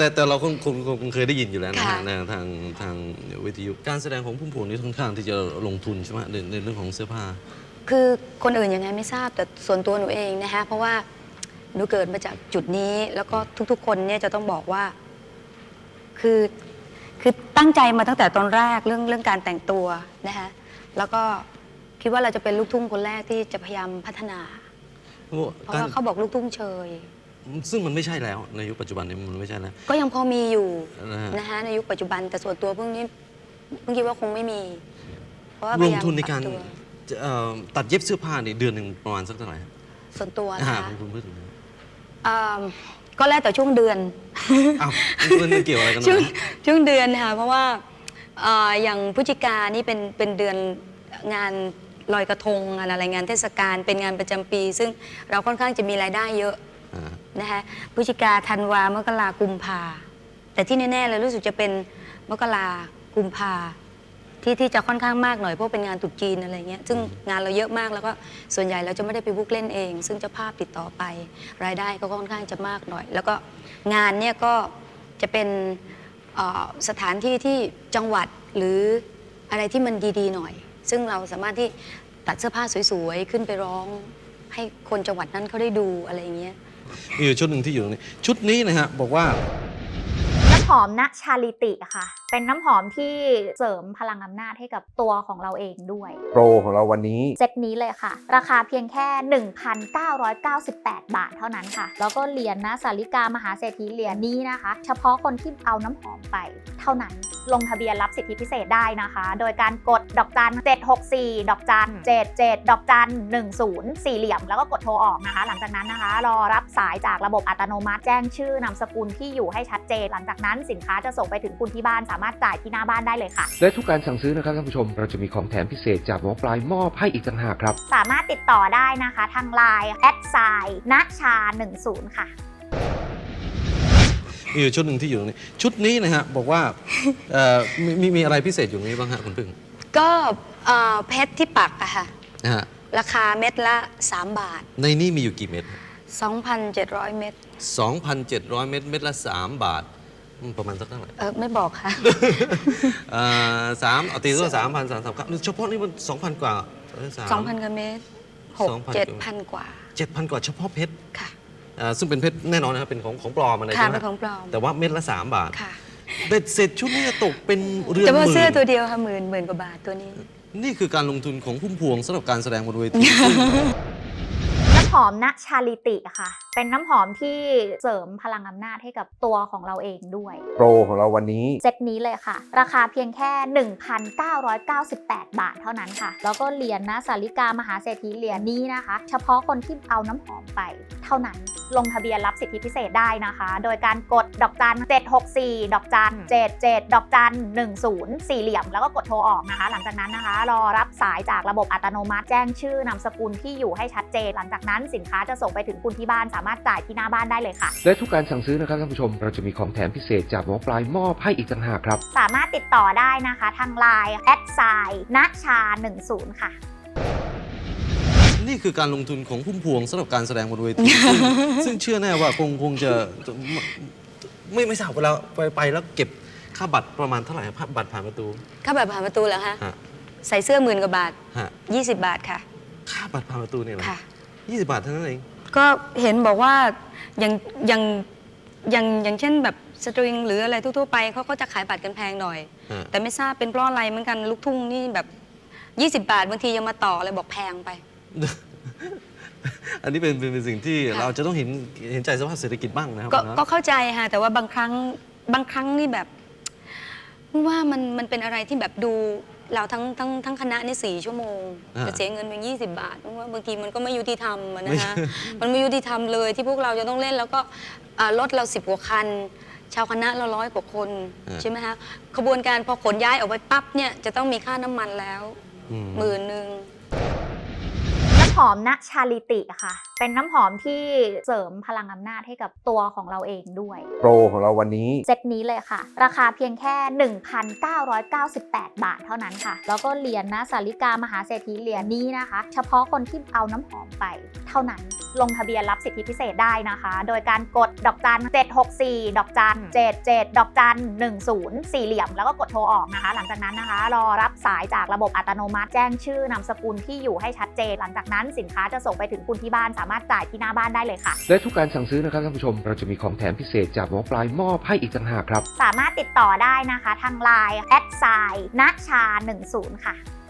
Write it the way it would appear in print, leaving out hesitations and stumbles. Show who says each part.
Speaker 1: แต่เราคงเคยได้ยินอยู่แล้วนะฮะทางวิทยุการแสดงของพุ่มพวงนี่ค่อนข้างที่จะลงทุนใช่ไหมในเรื่องของเสื้อผ้า
Speaker 2: คือคนอื่นยังไงไม่ทราบแต่ส่วนตัวหนูเองนะคะเพราะว่าหนูเกิดมาจากจุดนี้แล้วก็ทุกๆคนเนี่ยจะต้องบอกว่าคือตั้งใจมาตั้งแต่ตอนแรกเรื่องการแต่งตัวนะคะแล้วก็คิดว่าเราจะเป็นลูกทุ่งคนแรกที่จะพยายามพัฒนาเพราะว่าเขาบอกลูกทุ่งเชย
Speaker 1: ซึ่งมันไม่ใช่แล้วในยุคปัจจุบันนี้มันไม่ใช่แล้ว
Speaker 2: ก็ยังพอมีอยู่นะคะในยุคปัจจุบันแต่ส่วนตัวเพิ่งคิดว่าคงไม่มีเพราะว่า
Speaker 1: ลงทุนในการตัดเย็บเสื้อผ้าในเดือนหนึ่งประมาณสักเท่าไหร่
Speaker 2: ส่วนตัวนะคะ
Speaker 1: คุณพูดถึง
Speaker 2: ก็แล้วแต่ช่วงเดือน
Speaker 1: อ้าวมันเกี่ยวอะไรกัน
Speaker 2: ช่วงเดือนค่ะเพราะว่าอย่างพฤศจิกานี่เป็นเดือนงานลอยกระทงอะไรงานเทศกาลเป็นงานประจำปีซึ่งเราค่อนข้างจะมีรายได้เยอะนะคะพฤศจิกาธันวามกรากุมภาแต่ที่แน่ๆเลยรู้สึกจะเป็นมกรากุมภาที่จะค่อนข้างมากหน่อยเพราะเป็นงานตรุษจีนอะไรเงี้ยซึ่งงานเราเยอะมากแล้วก็ส่วนใหญ่เราจะไม่ได้ไปบุ๊กเล่นเองซึ่งเจ้าภาพติดต่อไปรายได้ก็ค่อนข้างจะมากหน่อยแล้วก็งานเนี่ยก็จะเป็นสถานที่ที่จังหวัดหรืออะไรที่มันดีๆหน่อยซึ่งเราสามารถที่ตัดเสื้อผ้าสวยๆขึ้นไปร้องให้คนจังหวัดนั้นเขาได้ดูอะไรอย่างเงี้ย
Speaker 1: มีอยู่ชุดหนึ่งที่อยู่ตรงนี้ชุดนี้นะฮะบอกว่า
Speaker 3: น้ำหอมณชาลิติค่ะเป็นน้ำหอมที่เสริมพลังอำนาจให้กับตัวของเราเองด้วย
Speaker 4: โปรของเราวันนี้
Speaker 3: เซตนี้เลยค่ะราคาเพียงแค่ 1,998 บาทเท่านั้นค่ะแล้วก็เหรียญนะสาริกามหาเศรษฐีเหรียญนี้นะคะเฉพาะคนที่เอาน้ำหอมไปเท่านั้นลงทะเบียนรับสิทธิพิเศษได้นะคะโดยการกดดอกจัน764ดอกจัน77ดอกจัน10สี่เหลี่ยมแล้วก็กดโทรออกนะคะหลังจากนั้นนะคะรอรับสายจากระบบอัตโนมัติแจ้งชื่อนามสกุลที่อยู่ให้ชัดเจนหลังจากนั้นสินค้าจะส่งไปถึงคุณที่บ้านสามารถจ่ายที่หน้าบ้านได้เลยค่ะ
Speaker 4: และทุกการสั่งซื้อนะครับท่านผู้ชมเราจะมีของแถมพิเศษจากหมอปลายมอบให้อีกต่างหากครับ
Speaker 3: สามารถติดต่อได้นะคะทาง LINE @ ณชา10ค่ะ
Speaker 1: มีอยู่ชุดหนึ่งที่อยู่ตรงนี้ชุดนี้นะฮะบอกว่ามีอะไรพิเศษอยู่นี้บ้างฮะคุณพึ่ง
Speaker 2: ก็เพชรที่ปักอะค่ะราคาเม็ดละ3 บาท
Speaker 1: ในนี้มีอยู่กี่เม็ด
Speaker 2: 2,700 เม็ด
Speaker 1: 2,700 เม็ดเม็ดละ3 บาทประมาณสักเท่าไหร่
Speaker 2: ไม่บอกค่ะ
Speaker 1: เอาตีตัว3,300เฉพาะนี่มัน 2,000 กว่า
Speaker 2: 2,000 กว่าเม็ด7,000 กว่า
Speaker 1: 7,000 กว่าเฉพาะเพชร
Speaker 2: ค่ะ
Speaker 1: ซึ่งเป็นเพชรแน่นอนนะครับเป็นของปลอมอะไรใช่ไหม
Speaker 2: เป็นของปลอม
Speaker 1: แต่ว่าเม็ดละ3 บาท
Speaker 2: ค่ะ
Speaker 1: เบ็ดเสร็จชุดนี้จะตกเป็นเรือนหมื่น
Speaker 2: แต่ว่าเสื้อตัวเดียวค่ะหมื่นกว่าบาทตัวนี้
Speaker 1: นี่คือการลงทุนของพุ่มพวงสำหรับการแสดงบนเวที
Speaker 3: น้ำหอมณชาลิติค่ะเป็นน้ำหอมที่เสริมพลังอำนาจให้กับตัวของเราเองด้วย
Speaker 4: โปรของเราวันนี้
Speaker 3: เซตนี้เลยค่ะราคาเพียงแค่ 1,998 บาทเท่านั้นค่ะแล้วก็เหรียญนะสาริกามหาเศรษฐีเหรียญนี้นะคะเฉพาะคนที่เอาน้ำหอมไปเท่านั้นลงทะเบียนรับสิทธิพิเศษได้นะคะโดยการกดดอกจัน764ดอกจัน77ดอกจัน10สี่เหลี่ยมแล้วก็กดโทรออกนะคะหลังจากนั้นนะคะรอรับสายจากระบบอัตโนมัติแจ้งชื่อนามสกุลที่อยู่ให้ชัดเจนหลังจากนั้นสินค้าจะส่งไปถึงคุณที่บ้านสามารถจ่ายที่หน้าบ้านได้เลยค่ะ
Speaker 4: และทุกการสั่งซื้อนะครับท่านผู้ชมเราจะมีของแถมพิเศษจากหมอปลายมอบให้อีกต่างหากครับ
Speaker 3: สามารถติดต่อได้นะคะทาง LINE @ ณชา10ค่ะ
Speaker 1: นี่คือการลงทุนของพุ่มพวงสำหรับการแสดงบนเวทีซึ่งเชื่อแน่ว่าคงจะไม่ทราบเวลาไปแล้วเก็บค่าบัตรประมาณเท่าไหร่ครับบัตรผ่านประตู
Speaker 2: ค่าบัตรผ่านประตูเหรอคะใส่เสื้อ10,000 กว่าบาท20 บาทค่ะ
Speaker 1: ค่าบัตรผ่านประตูเนี่ยเหรอ20 บาทเท่านั้นเอง
Speaker 2: ก็เห็นบอกว่าอย่างเช่นแบบสตริงหรืออะไรทั่วๆไปเขาก็จะขายบัตรกันแพงหน่อยแต่ไม่ทราบเป็นเพราะอะไรเหมือนกันลูกทุ่งนี่แบบ20 บาทบางทียังมาต่อเลยบอกแพงไป
Speaker 1: อันนี้เป็นสิ่งที่เราจะต้องเห็นใจสภาพเศรษฐกิจบ้างนะครับ
Speaker 2: ก็เข้าใจค่ะแต่ว่าบางครั้งนี่แบบว่ามันเป็นอะไรที่แบบดูเราทั้งคณะนี่4 ชั่วโมงจะเสียเงินเพียง20 บาทเพราะว่าบางทีมันก็ไม่ยุติธรรมนะคะมันไม่ยุติธรรมเลยที่พวกเราจะต้องเล่นแล้วก็รถเรา10 กว่าคันชาวคณะเรา100 กว่าคนใช่ไหมคะขบวนการพอขนย้ายออกไปปั๊บเนี่ยจะต้องมีค่าน้ำมันแล้ว10,000
Speaker 3: ำหอมณชาลิติค่ะเป็นน้ำหอมที่เสริมพลังอำนาจให้กับตัวของเราเองด้วย
Speaker 4: โปรของเราวันนี้
Speaker 3: เซตนี้เลยค่ะราคาเพียงแค่ 1,998 บาทเท่านั้นค่ะแล้วก็เหรียญนะสาริกามหาเศรษฐีเหรียญนี้นะคะเฉพาะคนที่เอาน้ำหอมไปเท่านั้นลงทะเบียนรับสิทธิพิเศษได้นะคะโดยการกดดอกจัน764ดอกจัน77ดอกจัน10สี่เหลี่ยมแล้วก็กดโทรออกนะคะหลังจากนั้นนะคะรอรับสายจากระบบอัตโนมัติแจ้งชื่อนามสกุลที่อยู่ให้ชัดเจนหลังจากนั้นสินค้าจะส่งไปถึงคุณที่บ้านสามารถจ่ายที่หน้าบ้านได้เลยค่ะ
Speaker 4: และทุกการสั่งซื้อนะครับท่านผู้ชมเราจะมีของแถมพิเศษจากหมอปลายมอบให้อีกต่างหากครับ
Speaker 3: สามารถติดต่อได้นะคะทางไลน์แอดไซน์ณชา10ค่ะ